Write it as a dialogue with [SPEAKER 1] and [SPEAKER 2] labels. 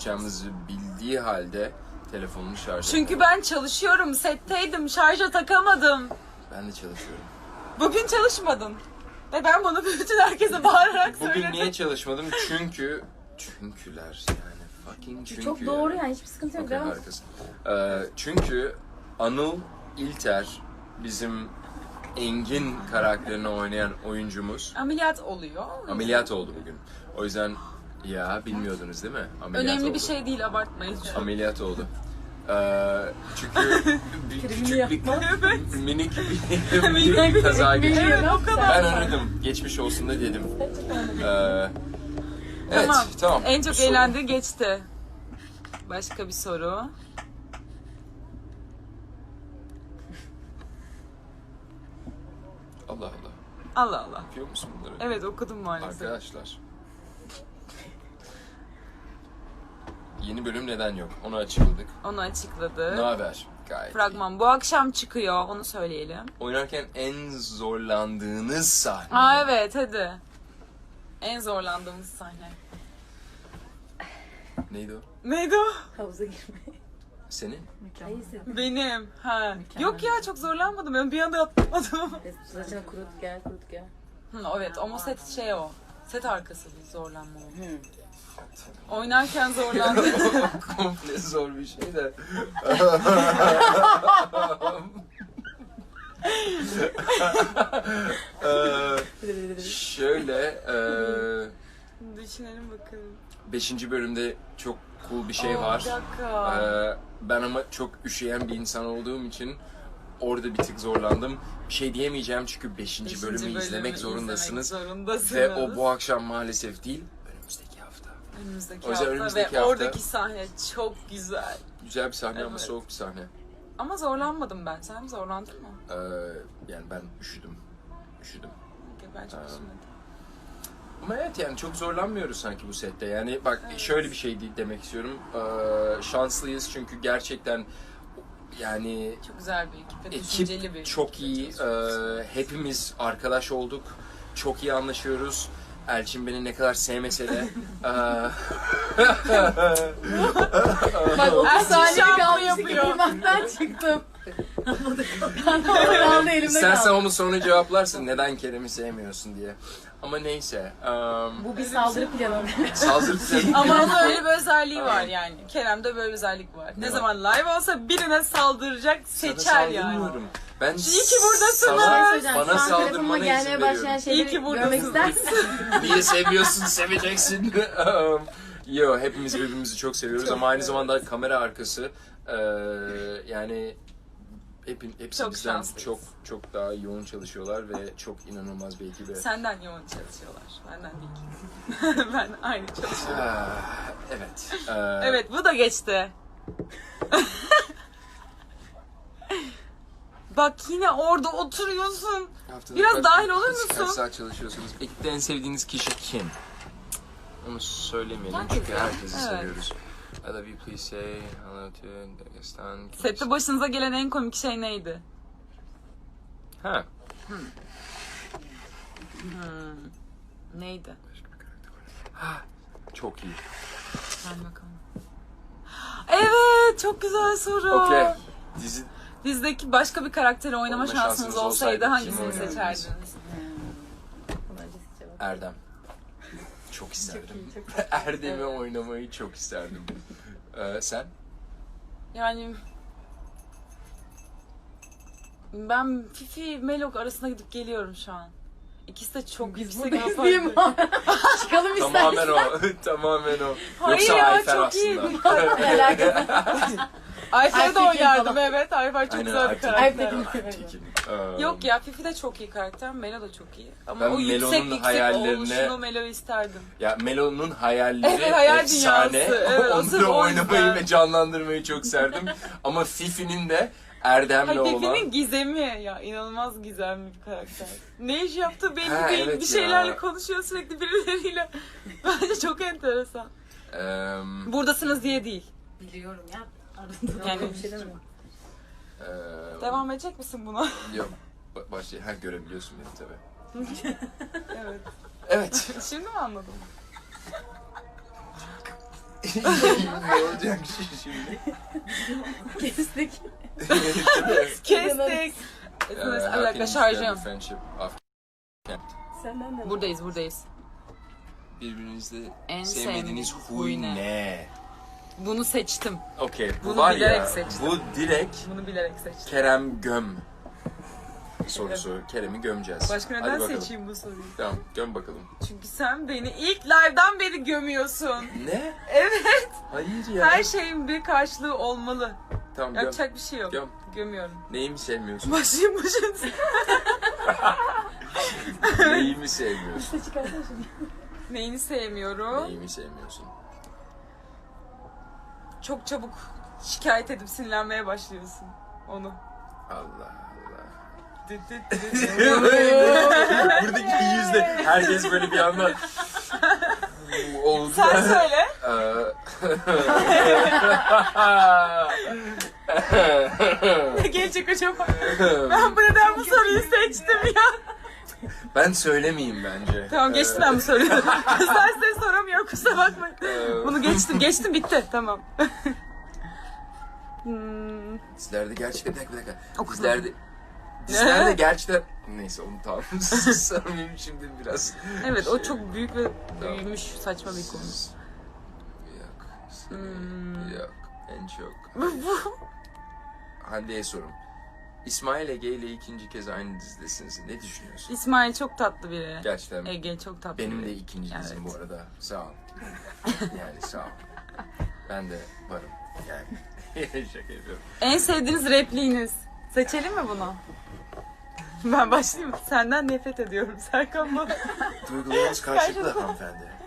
[SPEAKER 1] yapacağımızı bildiği halde telefonunu şarj
[SPEAKER 2] Çünkü ben çalışıyorum, setteydim, şarja takamadım.
[SPEAKER 1] Ben de çalışıyorum.
[SPEAKER 2] Bugün çalışmadın. Ve ben bunu bütün herkese bağırarak
[SPEAKER 1] Bugün
[SPEAKER 2] söyledim.
[SPEAKER 1] niye çalışmadım? Çünküler yani fucking çünkü.
[SPEAKER 3] Çok doğru yani hiçbir sıkıntı yok.
[SPEAKER 1] Okay,
[SPEAKER 3] Devam.
[SPEAKER 1] harikasın. Çünkü Anıl İlter bizim Engin karakterini oynayan oyuncumuz
[SPEAKER 2] Ameliyat oluyor.
[SPEAKER 1] ameliyat oldu bugün. O yüzden ya bilmiyordunuz değil mi? Ameliyat
[SPEAKER 2] Önemli
[SPEAKER 1] oldu.
[SPEAKER 2] bir şey değil, abartmayın.
[SPEAKER 1] Ameliyat oldu. Çünkü küçük bir minik bir kaza geçirdi.
[SPEAKER 2] Evet, o kadar.
[SPEAKER 1] Ben aradım. Geçmiş olsun da dedim. Evet, tamam.
[SPEAKER 2] En çok
[SPEAKER 1] Bu soru-
[SPEAKER 2] eğlendiği geçti. Başka bir soru.
[SPEAKER 1] Allah Allah.
[SPEAKER 2] Allah Allah.
[SPEAKER 1] Yapıyor musun bunları?
[SPEAKER 2] Evet, okudum maalesef.
[SPEAKER 1] Arkadaşlar. Yeni bölüm neden yok? Onu açıkladık.
[SPEAKER 2] Onu açıkladı.
[SPEAKER 1] Ne haber? Gayet
[SPEAKER 2] Fragman bu akşam çıkıyor, onu söyleyelim.
[SPEAKER 1] iyi. Oynarken en zorlandığınız sahne.
[SPEAKER 2] Aa evet, hadi. En zorlandığımız sahne.
[SPEAKER 1] Neydi o?
[SPEAKER 2] Neydi o?
[SPEAKER 3] Havuza girmeyi.
[SPEAKER 1] Senin?
[SPEAKER 3] Hayır senin.
[SPEAKER 2] Benim. Ha.
[SPEAKER 3] Mükemmel.
[SPEAKER 2] Yok ya, çok zorlanmadım. Ben bir anda atlamadım.
[SPEAKER 3] Saçını kurut gel kurut gel.
[SPEAKER 2] Evet, ama set şey o. Set arkası bir zorlanma o.
[SPEAKER 3] Hı.
[SPEAKER 2] Oynarken zorlandım.
[SPEAKER 1] Komple zor bir şey de. Şöyle,
[SPEAKER 2] Düşünelim bakalım.
[SPEAKER 1] 5. bölümde çok cool bir şey
[SPEAKER 2] Aa,
[SPEAKER 1] var.
[SPEAKER 2] bir dakika.
[SPEAKER 1] Ben ama çok üşüyen bir insan olduğum için orada bir tık zorlandım. Bir şey diyemeyeceğim çünkü 5. bölümü izlemek zorundasınız. Ve o bu akşam maalesef değil, önümüzdeki hafta.
[SPEAKER 2] Önümüzdeki
[SPEAKER 1] O yüzden
[SPEAKER 2] hafta
[SPEAKER 1] önümüzdeki
[SPEAKER 2] ve
[SPEAKER 1] hafta-
[SPEAKER 2] oradaki sahne çok güzel.
[SPEAKER 1] Güzel bir sahne ama
[SPEAKER 2] Evet.
[SPEAKER 1] soğuk bir sahne.
[SPEAKER 2] Ama zorlanmadım ben. Sen zorlandın mı?
[SPEAKER 1] Yani ben üşüdüm.
[SPEAKER 2] Ben çok üzülmedim.
[SPEAKER 1] Ama evet yani çok zorlanmıyoruz sanki bu sette. Yani bak şöyle bir şey demek istiyorum. Şanslıyız çünkü gerçekten yani
[SPEAKER 2] Çok güzel bir ekip ve düşünceli bir
[SPEAKER 1] ekip çok iyi. Hepimiz arkadaş olduk. Çok iyi anlaşıyoruz. Elçin beni ne kadar sevmese de
[SPEAKER 3] Bak 30
[SPEAKER 2] Erçin
[SPEAKER 3] saniye
[SPEAKER 2] şampu
[SPEAKER 3] kalmıştı
[SPEAKER 2] yapıyor.
[SPEAKER 3] kıymaktan çıktım. Ben de orada kaldı elimde
[SPEAKER 1] İstersen
[SPEAKER 3] kaldı.
[SPEAKER 1] onu sonra cevaplarsın neden Kerem'i sevmiyorsun diye. Ama neyse.
[SPEAKER 3] Bu bir saldırı planı.
[SPEAKER 1] Saldırı planı.
[SPEAKER 2] Ama onun öyle bir özelliği var yani. Kerem'de böyle bir özellik var. Ne
[SPEAKER 1] var?
[SPEAKER 2] zaman live olsa birine saldıracak,
[SPEAKER 1] Sana
[SPEAKER 2] seçer yani.
[SPEAKER 1] saldırmıyorum. Ben
[SPEAKER 2] İyi ki buradasınız.
[SPEAKER 1] sana- Bana
[SPEAKER 3] Şu an
[SPEAKER 1] saldırmana
[SPEAKER 3] telefonuma
[SPEAKER 1] izin
[SPEAKER 3] gelmeye başlayan
[SPEAKER 1] veriyorum.
[SPEAKER 2] İyi
[SPEAKER 3] şeyleri
[SPEAKER 2] ki
[SPEAKER 3] görmek
[SPEAKER 2] buradasınız.
[SPEAKER 3] ister misin?
[SPEAKER 1] Niye seviyorsun, seveceksin. Yo, hepimiz birbirimizi çok seviyoruz
[SPEAKER 2] Çok
[SPEAKER 1] ama aynı
[SPEAKER 2] evet.
[SPEAKER 1] zamanda kamera arkası yani hepsi
[SPEAKER 2] Çok
[SPEAKER 1] bizden
[SPEAKER 2] şanslıyız.
[SPEAKER 1] çok daha yoğun çalışıyorlar ve çok inanılmaz bir ekibe.
[SPEAKER 2] Senden yoğun çalışıyorlar. Benden değil. Ben aynı çalışıyorum.
[SPEAKER 1] Evet.
[SPEAKER 2] Evet, bu da geçti. Bak yine orada oturuyorsun.
[SPEAKER 1] Haftada
[SPEAKER 2] Biraz dahil olur
[SPEAKER 1] Kaç
[SPEAKER 2] musun?
[SPEAKER 1] saat çalışıyorsunuz? Ekipte en sevdiğiniz kişi kim? Onu söylemeyelim
[SPEAKER 2] Herkes
[SPEAKER 1] çünkü
[SPEAKER 2] ya.
[SPEAKER 1] herkesi
[SPEAKER 2] Evet.
[SPEAKER 1] seviyoruz. I love you, please say hello to Dagestan.
[SPEAKER 2] Sette başınıza gelen en komik şey neydi?
[SPEAKER 1] Ha.
[SPEAKER 2] Neydi?
[SPEAKER 1] Çok iyi.
[SPEAKER 2] Ben bakalım. Evet, çok güzel soru.
[SPEAKER 1] Okey. Dizi
[SPEAKER 2] Dizideki başka bir karakteri oynama
[SPEAKER 1] Oynama
[SPEAKER 2] şansınız
[SPEAKER 1] şansınız
[SPEAKER 2] olsaydı
[SPEAKER 1] olsaydı
[SPEAKER 2] hangisini
[SPEAKER 1] kimi oynardınız?
[SPEAKER 2] seçerdiniz?
[SPEAKER 1] Erdem. Çok isterdim.
[SPEAKER 3] Çok iyi, çok
[SPEAKER 1] Erdem'i oynamayı çok isterdim. Sen?
[SPEAKER 2] Yani ben Fifi Melok arasında gidip geliyorum şu an. İkisi de çok
[SPEAKER 3] Biz
[SPEAKER 2] yüksek
[SPEAKER 3] buradayız
[SPEAKER 2] yapardı.
[SPEAKER 3] değil mi? Çıkalım
[SPEAKER 1] Tamamen
[SPEAKER 3] istersen.
[SPEAKER 1] o. Tamamen o.
[SPEAKER 2] Hayır
[SPEAKER 1] Yoksa
[SPEAKER 2] ya,
[SPEAKER 1] Ayfer
[SPEAKER 2] çok iyi.
[SPEAKER 1] aslında.
[SPEAKER 3] Ne alakası?
[SPEAKER 2] Ayfer'e de
[SPEAKER 3] Aytekin
[SPEAKER 2] oynardım,
[SPEAKER 3] falan.
[SPEAKER 2] evet. Ayfer çok
[SPEAKER 1] Aynen,
[SPEAKER 2] güzel bir
[SPEAKER 1] Aytekin.
[SPEAKER 2] karakter.
[SPEAKER 3] Aytekin.
[SPEAKER 2] Yok ya, Fifi de çok iyi karakter, Melo da çok iyi. Ama
[SPEAKER 1] Ben
[SPEAKER 2] o yüksek
[SPEAKER 1] Melo'nun hayallerine-
[SPEAKER 2] oluşunu Melo'yu isterdim.
[SPEAKER 1] Ya Melo'nun hayalleri
[SPEAKER 2] Evet, hayal
[SPEAKER 1] efsane.
[SPEAKER 2] dünyası. Evet,
[SPEAKER 1] Onu
[SPEAKER 2] sırf
[SPEAKER 1] da
[SPEAKER 2] o
[SPEAKER 1] oynamayı
[SPEAKER 2] yüzden.
[SPEAKER 1] ve canlandırmayı çok serdim. Ama Fifi'nin de Erdem'le
[SPEAKER 2] Hayır,
[SPEAKER 1] olan...
[SPEAKER 2] Fifi'nin gizemi ya, inanılmaz gizemli bir karakter. Ne iş yaptığı belli
[SPEAKER 1] Ha,
[SPEAKER 2] değil,
[SPEAKER 1] evet
[SPEAKER 2] bir şeylerle
[SPEAKER 1] ya.
[SPEAKER 2] konuşuyor sürekli birileriyle. Bence çok enteresan. Buradasınız diye değil.
[SPEAKER 3] Biliyorum ya. Arada
[SPEAKER 2] Yani-
[SPEAKER 3] bir şey demiyorum.
[SPEAKER 2] Devam edecek misin buna?
[SPEAKER 1] Yok. Başla. Ha, görebiliyorsun beni tabii.
[SPEAKER 2] Evet.
[SPEAKER 1] Evet.
[SPEAKER 2] Şimdi mi anladın?
[SPEAKER 1] Ne olacak şimdi?
[SPEAKER 3] Kestik.
[SPEAKER 2] Kestik. Bir dakika şarjım.
[SPEAKER 3] Senden de.
[SPEAKER 2] Buradayız.
[SPEAKER 1] Birbirinizde
[SPEAKER 2] En
[SPEAKER 1] sevmediğiniz
[SPEAKER 2] sevmediğiniz
[SPEAKER 1] huy
[SPEAKER 2] huy
[SPEAKER 1] ne?
[SPEAKER 2] ne? Bunu seçtim.
[SPEAKER 1] Okey, bu
[SPEAKER 2] Bunu
[SPEAKER 1] var
[SPEAKER 2] bilerek
[SPEAKER 1] ya,
[SPEAKER 2] seçtim.
[SPEAKER 1] bu direkt
[SPEAKER 2] Bunu bilerek seçtim.
[SPEAKER 1] Kerem göm sorusu. Kerem'i gömeceğiz.
[SPEAKER 2] Başka
[SPEAKER 1] Hadi
[SPEAKER 2] neden
[SPEAKER 1] bakalım.
[SPEAKER 2] seçeyim bu soruyu?
[SPEAKER 1] Tamam, göm bakalım.
[SPEAKER 2] Çünkü sen beni ilk live'dan beri gömüyorsun.
[SPEAKER 1] Ne?
[SPEAKER 2] Evet.
[SPEAKER 1] Hayır ya.
[SPEAKER 2] Her şeyin bir karşılığı olmalı.
[SPEAKER 1] Tamam, göm.
[SPEAKER 2] Yapacak bir şey yok.
[SPEAKER 1] Göm.
[SPEAKER 2] Gömüyorum.
[SPEAKER 1] Neyimi sevmiyorsun?
[SPEAKER 2] Başlayayım.
[SPEAKER 1] Neyimi sevmiyorsun?
[SPEAKER 3] İşte çıkarsana şimdi.
[SPEAKER 2] Neyini sevmiyorum?
[SPEAKER 1] Neyimi sevmiyorsun?
[SPEAKER 2] Çok çabuk şikayet edip sinirlenmeye başlıyorsun. Onu.
[SPEAKER 1] Allah Allah.
[SPEAKER 2] Düt düt düt.
[SPEAKER 1] Buradaki yüzde herkes böyle bir anda oldu.
[SPEAKER 2] Sen söyle. Ne gelecek acaba? Ben neden bu soruyu seçtim ya?
[SPEAKER 1] Ben söylemeyeyim bence.
[SPEAKER 2] Tamam geçtim ben bu soruyu. Sen size soramıyorum kusura bakmayın. Bunu geçtim bitti tamam.
[SPEAKER 1] Dizlerde gerçekten bir dakika.
[SPEAKER 2] Okudum.
[SPEAKER 1] Dizlerde gerçekten neyse onu tamam. Sanırım şimdi biraz.
[SPEAKER 2] Evet o
[SPEAKER 1] şey-
[SPEAKER 2] çok büyük ve büyümüş saçma bir konu.
[SPEAKER 1] Yok. Yok. En çok. Hande'ye sorum. İsmail Ege ile ikinci kez aynı dizidesiniz. Ne düşünüyorsun?
[SPEAKER 2] İsmail çok tatlı biri.
[SPEAKER 1] Gerçekten
[SPEAKER 2] Ege çok tatlı
[SPEAKER 1] benim
[SPEAKER 2] biri.
[SPEAKER 1] de ikinci dizim bu arada. Sağ ol. Yani sağ ol. Ben de varım. Yani şaka yapıyorum.
[SPEAKER 2] En sevdiğiniz repliğiniz. Seçelim mi bunu? Ben başlayayım mı? Senden nefret ediyorum Serkan bana.
[SPEAKER 1] Duygularımız karşılıklı hanımefendi.